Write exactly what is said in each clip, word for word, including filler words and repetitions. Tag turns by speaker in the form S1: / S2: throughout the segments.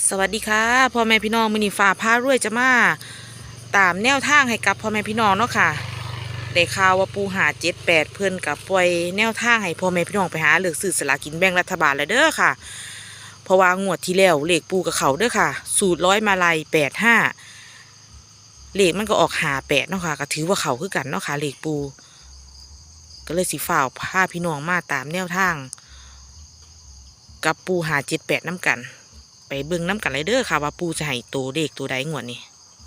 S1: สวัสดีค่ะพ่อแม่พี่น้องมื้อนี้ฟ้าพารวยจะมาตามแนวทางให้กับพ่อแม่พี่น้องเนาะค่ะได้ข่าวว่าปูหาเจ็ดแปดเพิ่นกับปล่อยแนวทางให้พ่อแม่พี่น้องไปหาเลือกซื้อสลากกินแบ่งรัฐบาลแล้วเด้อค่ะเพราะว่างวดที่แล้วเลขปูกับเขาเด้อค่ะ สูตรร้อยมาลัยแปดห้าเลขมันก็ออกหาแปดเนาะค่ะก็ถือว่าเขาคือกันเนาะค่ะเลขปูก็เลยสิฝ่าวพาพี่น้องมาตามแนวทางกับปูหาเจ็ดแปดน้ำกันไปเบิ่งน้ำกันเลยเด้อค่ะว่าปูจะให้ตัวเด็กตัวใดงวดนี้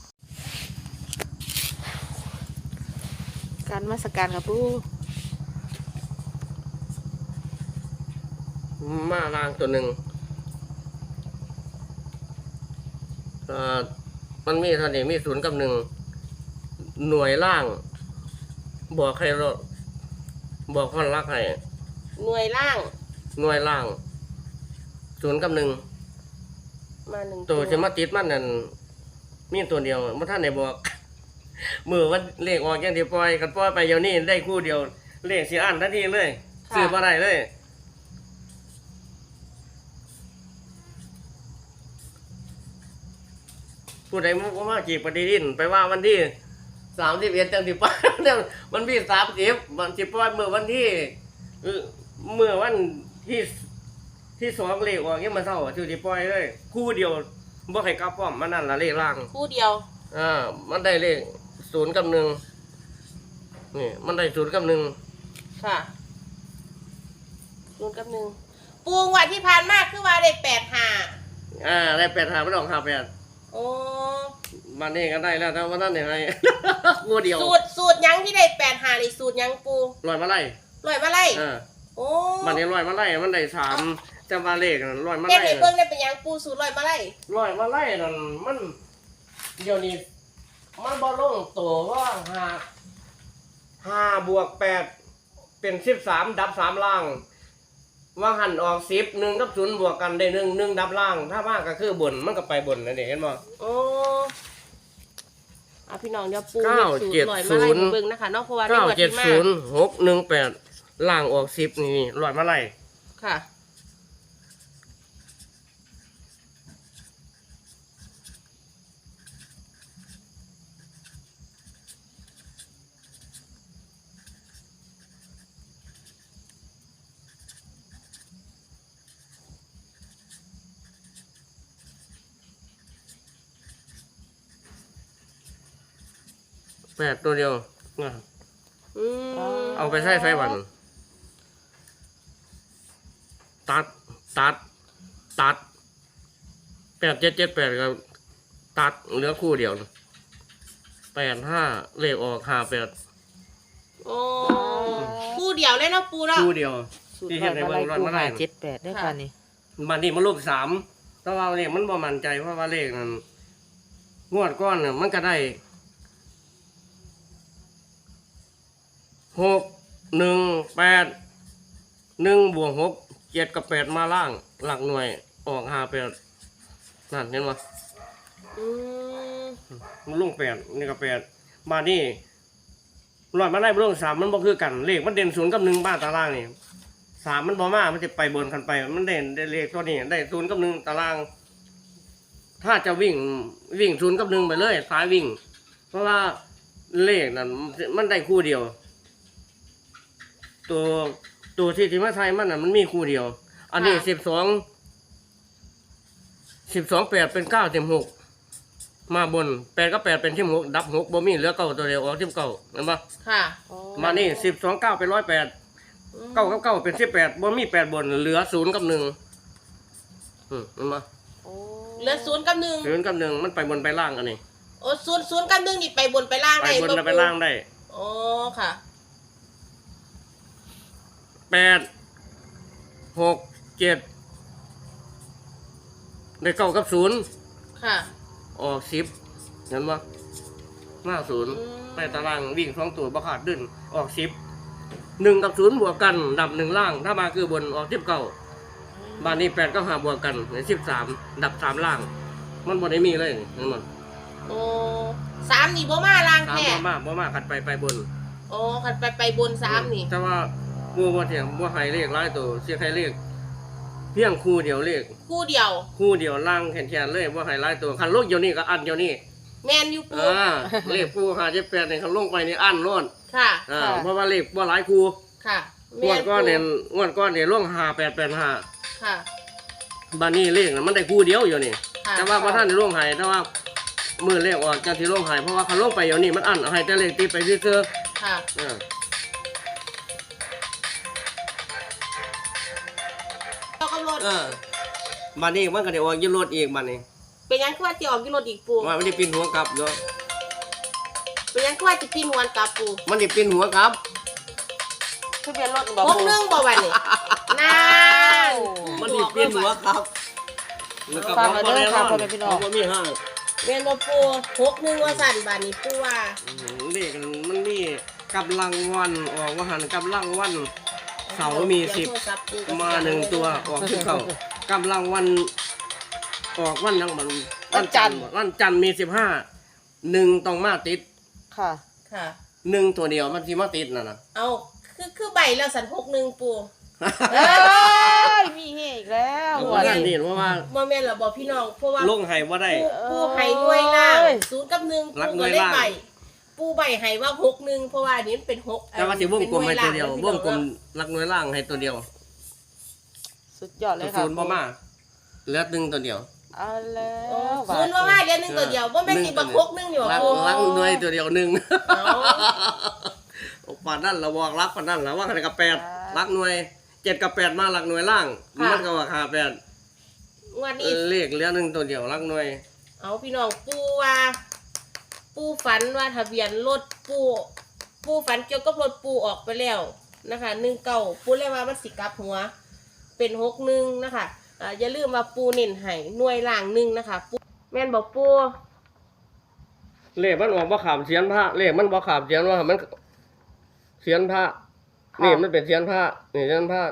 S1: การมาสการค่ะปู
S2: มาล่างตัวหนึ่งอ่ามันมีเท่านี้มีศูนย์กับหนึ่งหน่วยล่างบอกให้เราบอกคนรักให้
S3: หน่วยล่าง
S2: หน่วยล่างศูนย์กับหนึ่ง
S3: มาหนึ่ง
S2: ตัวจะมาติดมันนั่นมีตัวเดียวเมื่อท่านไหนบอกมือวันเลขออกอย่างที่ปล่อยกันปล่อยไปเดี๋ยวนี้ได้คู่เดียวเลขสีอันทันทีเลยซื้อมาได้เลยผู้ใดมุกว่าจีบปฏิทินไปว่าวันที่สามสิบเอ็ดจังสิบป้าเนี่ยมันพี่สามสิบมันสิบป้าเมื่อวันที่เมื่อวันที่ที่สองเลขออกยังมาเท่าชื่อสิบป้อยเลยคู่เดียวบ่ให้กลับป้อมมันนั่นละเลขล่าง
S3: คู่เดียว
S2: อ่ามันได้เลขศูนย์กับหนึ่งนี่มันได้ศูนย์กับหนึ่ง
S3: ค่ะศูนย์กับหนึ่งปูงวันที่ผ่านมากคือว่าได้แปดห้า
S2: อ่าได้แปดหาไม่ต้องหาแปด
S3: โอ้
S2: มันนี่ก็ได้แล้วแต่ว่านั่นยังไงคู่เดียว
S3: สูตรสูตรยังที่ได้แปดห้าในสูตรยังปู
S2: ลอยมาไล่
S3: ลอยมาไล่
S2: อ่า
S3: โอ้
S2: มันนี่ลอยมาไล่มันได้สามจำว่าเลขนั่นลอยมาไล่
S3: เด็กเบิ่งได้เป็นยังปูสูตรลอยมาไล่
S2: ลอยมาไล่นั่นมันเดี๋ยวนี้มันบอลลงตัวว่าห้าห้าบวกแปดเป็นสิบสามดับสามล่างว่าหันออกสิบหนึ่งกับศูนย์บวกกันได้หนึ่งหนึ่งดับล่างถ้าว่างก็คือบนมันก็ไปบนนั่นเองเห็นมั้ย
S3: โอ้อาพี่น้องเดี๋ยวปูสูตรลอยมาไล่เบิ่งนะคะนอกเพราะว่า
S2: เก้าเจ็ดศูนย์หกหนึ่งแปดล่างออกสิบนี่ลอยมาไล่
S3: ค่ะ
S2: แปดตัวเดียวเอาไปใช้ไฟวันตัดตัดตัดแปดเจ็ดเจ็ดแปดก็ตัดเหลือคู่เดียวแปดห้าเลขออกห้าแปด
S3: โอ้คู่เดียวเลยนะปูเนาะ
S2: คู่เดียวที่เห็นในเบื้องต้นมาได้
S1: เจ็ดแปดได้ค่ะนี่
S2: มันนี่มันรูปสามแต่ว่าเลขมันบ่มั่นใจเพราะว่าเลขนั้นงวดก้อนเนี่ยมันก็ได้หกหนึ่งแปดหนึ่งบวกหกเจ็ดกับแปดมาล่างหลักหน่วยออกห้าแปดนั่นเห็นไหมมันลุ่งแปดนี่กับแปดมานี่ลอยมาได้ลุ่งสามมันบ่คือกันเลขมันเด่นศูนย์กับหนึ่งบ้านตารางนี่สามมันบ่มามันจะไปบนกันไปมันเด่นได้เลขตัวนี้ได้ศูนย์กับหนึ่งตาราง ถ้าจะวิ่งวิ่งศูนย์กับหนึ่งไปเลยซ้ายวิ่งเพราะว่าเลขนั้นมันได้คู่เดียวตัวตัวที่ที่มาไทยมันน่ะมันมีคู่เดียวอันนี้สิบสองสิบสองแปดเป็นเก้าเต็มหกมาบนแปดก็แปดเป็นที่หกดับหกบ่มีเหลือเก้าตัวเดียวออกที่เก้าเห็นปะ
S3: ค่ะ
S2: มานี่สิบสองเก้าเป็นร้อยแปดเก้ากับเก้าเป็นสิบแปดบ่มีแปดบนเหลือศูนย์กับหนึ่งอืมเห็นปะ
S3: เหลือศูนย์กับหนึ่ง
S2: ศูนย์กับหนึ่งมันไปบนไปล่างกันนี่
S3: โอ้ศูนย์ศูนย์กับหนึ่งนี่ไปบนไปล่างได้
S2: ไปบนไปล่างได้
S3: โอ้ค่ะ
S2: แปดหกเจ็ดได้เก้ากับศูนย์
S3: ค่ะ
S2: ออกสิบเห็นปะหน้าศูนย์ไปตารางวิ่งสองตัวบาขาดดึงออกสิบหนึ่งกับศูนย์บวกกันดับหนึ่งล่างถ้ามาคือบนออกสิบเก้าบ้านนี้แปดก็หาบวกกันในสิบสามดับสามล่างมันบนได้มีเลยเห็นมั้ย
S3: โอ้สามนี่บ่มาล่างแค่
S2: บ่มาบ่มาขัดไปไปบน
S3: โอ้ขัดไปไปบนสามนี่
S2: แต่ว่าบัวบัวเถียงบัวไฮเลขหลายตัวเสียไฮเลขเพียงคู่เดียวเลข
S3: คู่เดียว
S2: คู่เดียวล่างแขนๆเลยว่าให้หลายตัวคันลงเดี๋ยวนี้ก็อันเดี๋ยวนี้
S3: แมนอยู่ปู
S2: อ่าเลขคู่ห้าเจ็ดแปดนี่คันลงไปนี่อันโล้น
S3: ค่ะ
S2: อ่า
S1: ค่ะ
S2: เพราะว่าเลขบ่หลายคู่
S3: ค่ะ
S2: งวดก้อนเนี่ยงวดก้อนเนี่ยลงห้าแปดแปดห้า
S3: ค่ะ
S2: บัดนี้เลขน่ะมันได้คู่เดียวอยู่นี่
S3: ค่ะ
S2: แต่ว่าพระท่านได้ลงให้แต่ว่ามือเลขออกจากที่ลงให้เพราะว่าคันลงไปเดี๋ยวนี้มันอันให้แต่เลขติดไปซื่อ
S3: ค่ะ
S2: ๆอ่า
S3: เรากำหนด
S2: เออบัดนี้มันก็ได้ออกอยืนรถอีกบัดนี้
S3: เป็นยังคือว่าจะออกกิโลอีกปู
S2: ว่ามันได้ปีนหัวกลับเนาะ
S3: เป็นยังคือว่าจะปีนหัวกลับปู
S2: มันได้ปีนหัวกลับ
S1: ทะเบียนรถบอก
S3: พกหนึ่งบ่วันนี่นาน
S2: มันได้ปีนหัวกลับแล้วก็
S1: ฟัง
S2: บ่
S1: มาเด้อ
S2: ได้
S1: ค่ะ
S2: นอน
S1: พ่อแม่พี่น้อง
S2: บ่มีห้าง
S3: เรียนบ่ปูพกหนึ่งว่าสั่นบานนี้ปูว่า
S2: อืมเลขมันมีกำลังวันออกว่าหันกำลังวันเสาร์มีสิบ
S3: โทรศัพท์ปูก็
S2: มาหนึ่งตัวออกสิบเก้ากำลังวันออกวันยังบัน
S1: วันจันทร์
S2: วันจันทร์มีสิบห้าหนึ่งต้องมาติด
S1: ค่ะ
S3: ค่ะ
S2: หนึ่งตัวเดียวมันที่มาติดน่ะนะ
S3: เอาคือคือใบแล้วสันพกหนึ่งปู
S1: เอ้ยมีเฮอีกแล้ว
S2: เพราะว่านั่นนี่เพราะว่า
S3: บ่แม่นล่ะบ่พี่น้องเพราะว่า
S2: ลงไห้ว่าได้
S3: ปูปูให้หน่วยล่างศูนย์กับหนึ่ง
S2: รัก
S3: ปู
S2: หน่
S3: ก็
S2: วย
S3: ได้
S2: ล่าง
S3: ใบปูใบให้ว่าหกหนึ่งเพราะว่าอันนี้มันเป็นหก
S2: แต่ว่าสิวงกลมให้ตัวเดียว
S3: ป็นห
S2: ว
S3: น่
S2: งกลม
S3: ล่า
S2: รักน้อยล่างให้ตัวเดียว
S1: สุดยอดเลยค่ะ
S2: ศูนย์บ่มาเหลือหนึ่งตัวเดียว
S1: เอาแล้
S3: อ๋อ
S1: ว
S3: ศูนย์ว่าว่าเดือนหนึ่งตัวเดียวบ่แม่นสิบักหกหนึ่งอยู่
S2: รัก
S3: ปู
S2: รักน้อยตัวเดียวหนึ่ง
S3: เอา
S2: ปานนั่นเราบอกรักปานนั่นแล้วว่าขนาดกับแปดรักหน่วยเจ็ดกับแปดมารักหน่วยล่างมันก็ว่าขาแปด
S3: งวดนี้
S2: เลขเหลือหนึ่งตัวเดียวรักหน่วย
S3: เอาพี่น้องปูว่าปูฝันว่าทะเบียนรถปูปูฝันเกี่ยวกับรถปูออกไปแล้วนะคะหนึ่งเก้าปูเลยว่ามันสิกลับหัว เป็นหกหนึ่งนะคะอ่าอย่าลืมว่าปูเน้นให้หน่วยล่างหนึ่งนะคะปูแม่นบอกปู
S2: เลขมันออกบ่ขามเสียนพระเลขมันบ่ขามเสียนว่ามันเสียนพระนี่มันเป็นเสียนพระนี่เสียนพระ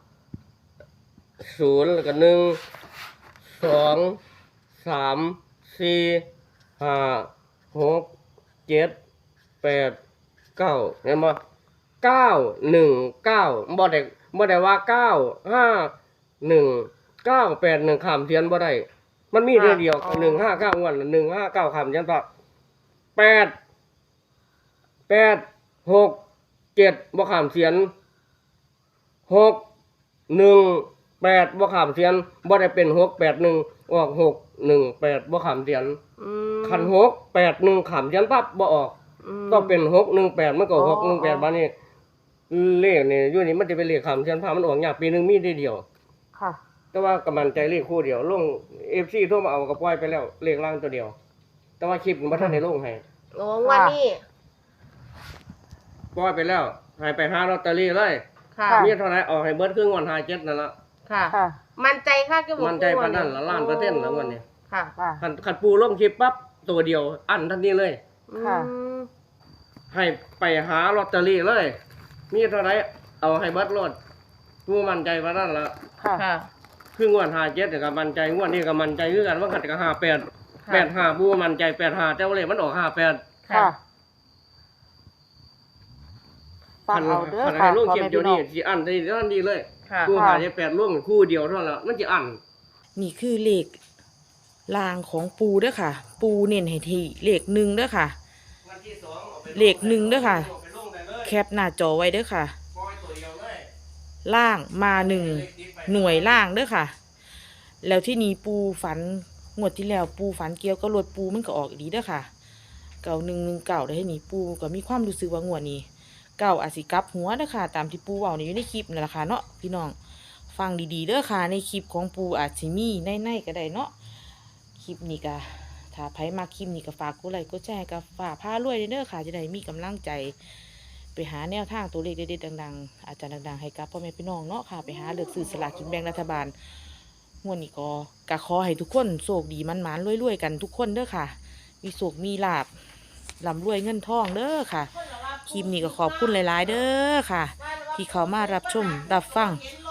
S2: ศูนย์แล้วก็หนึ่งสองสามสี่ห้าหกเจ็ดแปดเก้าเห็นบ่เก้าหนึ่งเก้าบ่ได้บ่ได้ว่าเก้าห้าหนึ่งเก้าแปดหนึ่งขามเสียนบ่ได้มันมีเดียวเดียวหนึ่งห้าเก้างวดหนึ่งห้าเก้าขามเสียนพระแปดแปดหกเจ็ดบ่ขามเสียนหกหนึ่งแปดบ่ขามเสียนบ่ได้เป็นหกแปดหนึ่งออกหกหนึ่งแปดบ่ขามเสียน
S1: อืม
S2: ขันหกแปดหนึ่งขามเสียนปั๊บบ่ออก
S1: อืม
S2: ก็เป็นหกหนึ่งแปดมันก็
S1: อ๋อ
S2: หกหนึ่งแปดบ้านนี้เลขนี่อยู่นี่มันจะเป็นเลขขามเสียนพามันออกยากปีหนึงมีได้เดียว
S1: ค่ะ
S2: แต่ว่ากำมันใจเลขคู่เดียวลง เอฟซีโทรมาเอาก็ปล่อยไปแล้วเลขล่างตัวเดียว แต่ว่าคลิปมันบ่ทันได้ลงให้
S3: โอ้งวันนี้
S2: ปล่อยไปแล้วให้ไปหาลอตเตอรี่เลย
S3: ค่ะ
S2: มีเท่าไหร่ออกให้เบิดครึ่งวันหาเจ็ดนั่นละ
S3: ค่ะ
S1: ค่ะ
S3: มันใจค่ะก็บอก
S2: มันใจปานนั้นละล้านเปอร์เซ็นต์แล้ววันนี้
S3: ค่ะ
S1: ค่ะ
S2: คันคันปูลงคลิปปั๊บตัวเดียวอันทันทีเลย
S1: ค่ะ
S3: อืม
S2: ให้ไปหาลอตเตอรี่เลย มีเท่าไหร่เอาให้เบิดรถปูมั่นใจปานนั้นละ
S1: ค่ะ
S3: ค่ะ
S2: ครึ่งวันหาเจ็ดก็มั่นใจงวดนี้ก็มั่นใจคือกันว่าขัดก็ห้าแปด
S3: ค่ะ
S2: แปดห้าปูมั่นใจแปดห้าแต่ว่าเลขมันออกห้าแปด
S1: ค่ะ ฟังเอาเด้อ
S2: คัน
S1: ค่ะ
S2: ให้ลง
S1: พ่อ
S2: คลิป
S1: แม่
S2: เดียว
S1: พี่น้
S2: นี้
S1: อง
S2: สิอันได้ทันทีเลย
S3: ค่ะ
S2: ปูหาเจ็ดแปดร่วมคู่เดียวเท่านั้นละมันจะอัน
S1: นี่คือเลขลางของปูเด้อค่ะ ปูเน้นให้ที่เลขหนึ่งเด้อค่ะ เลขหนึ่งเด้อค่ะ แคปหน้าจอไว้เด้อค่ะ ล่างมาหนึ่งหน่วยล่างเด้อค่ะ แล้วที่นี้ปูฝันงวดที่แล้วปูฝันเกี่ยวกับรถปูมันก็ออกอีกดีเด้อค่ะ เก่าหนึ่งหนึ่งเก่าได้ให้นี่ปูก็มีความรู้สึกว่างวดนี้ เก่าอาจสิกลับหัวเด้อค่ะ ตามที่ปูเว้านี่อยู่ในคลิปนั่นแหละค่ะเนาะพี่น้องฟังดีๆเด้อค่ะ ในคลิปของปูอาจสิมีในๆก็ได้เนาะคลิปนี้ก็ถ้าไผมาคลิปนี้ก็ฝากกดไลค์กดแชร์กับฝากพารวยเด้อค่ะ จะได้มีกำลังใจ ไปหาแนวทางตัวเลขเด็ดๆดังๆ อาจารย์ดังๆให้กับพ่อแม่พี่น้องเนาะค่ะ ไปหาเลือกซื้อสลากกินแบ่งรัฐบาลงวดนี้ก็กะขอให้ทุกคนโชคดีมันๆรวยๆกันทุกคนเด้อค่ะ มีโชคมีลาภร่ำรวยเงินทองเด้อค่ะ คลิปนี้ก็ขอบคุณหลายๆ เด้อค่ะ ที่เขามารับชมรับฟัง
S3: เห็นร